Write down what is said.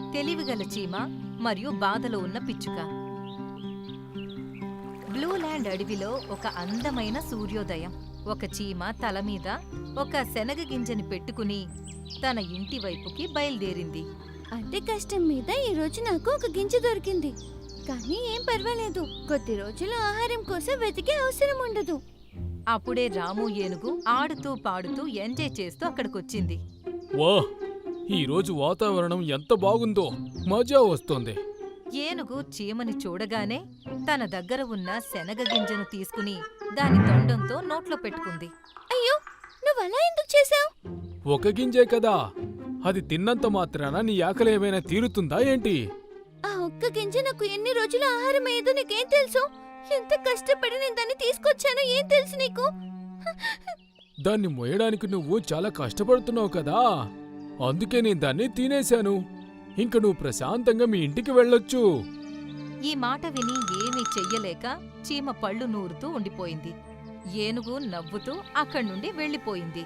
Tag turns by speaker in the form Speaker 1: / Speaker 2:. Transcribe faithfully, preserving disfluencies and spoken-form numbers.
Speaker 1: తెలివిగల చీమ మరియు బాధలో ఉన్న పిచ్చుక. బ్లూ ల్యాండ్ అడవిలో ఒక అందమైన సూర్యోదయం. ఒక చీమ తలమీద ఒక శనగ గింజని పెట్టుకుని తన ఇంటి వైపుకి బయలుదేరింది.
Speaker 2: అంటే కష్టం మీద ఈ రోజు నాకు ఒక గింజ దొరికింది. కానీ ఏం పర్వాలేదు, కొద్ది రోజులు ఆహారం కోసం వెతికే అవసరం ఉండదు.
Speaker 1: అప్పుడే రాము ఏనుగు ఆడుతూ పాడుతూ ఎంజాయ్ చేస్తూ అక్కడికొచ్చింది.
Speaker 3: వాహ్, ఈరోజు వాతావరణం ఎంత బాగుందో, మజా వస్తోంది.
Speaker 1: ఏనుగు చీమని చూడగానే తన దగ్గర ఉన్న శనగ గింజను తీసుకుని దాని తొండంతో నోట్లో పెట్టుకుంది.
Speaker 2: అయ్యో, నువ్వు అలా ఎందుకు చేశావు?
Speaker 3: ఒక గింజే కదా, అది తిన్నంత మాత్రాన నీ ఆకలి ఏమైనా తీరుతుందా ఏంటి?
Speaker 2: ఆ ఒక్క గింజ నాకు ఎన్ని రోజుల ఆహారం అయ్యేదో నీకేం తెలుసు? ఎంత కష్టపడి నేను దాన్ని తీసుకొచ్చానో ఏం తెలుసు నీకు?
Speaker 3: దాన్ని మోయడానికి నువ్వు చాలా కష్టపడుతున్నావు కదా, అందుకే నేను దాన్ని తినేశాను. ఇంక నువ్వు ప్రశాంతంగా మీ ఇంటికి వెళ్ళొచ్చు.
Speaker 1: ఈ మాట విని ఏమీ చెయ్యలేక చీమ పళ్ళు నూరుతూ ఉండిపోయింది. ఏనుగు నవ్వుతూ అక్కడ్నుండి వెళ్ళిపోయింది.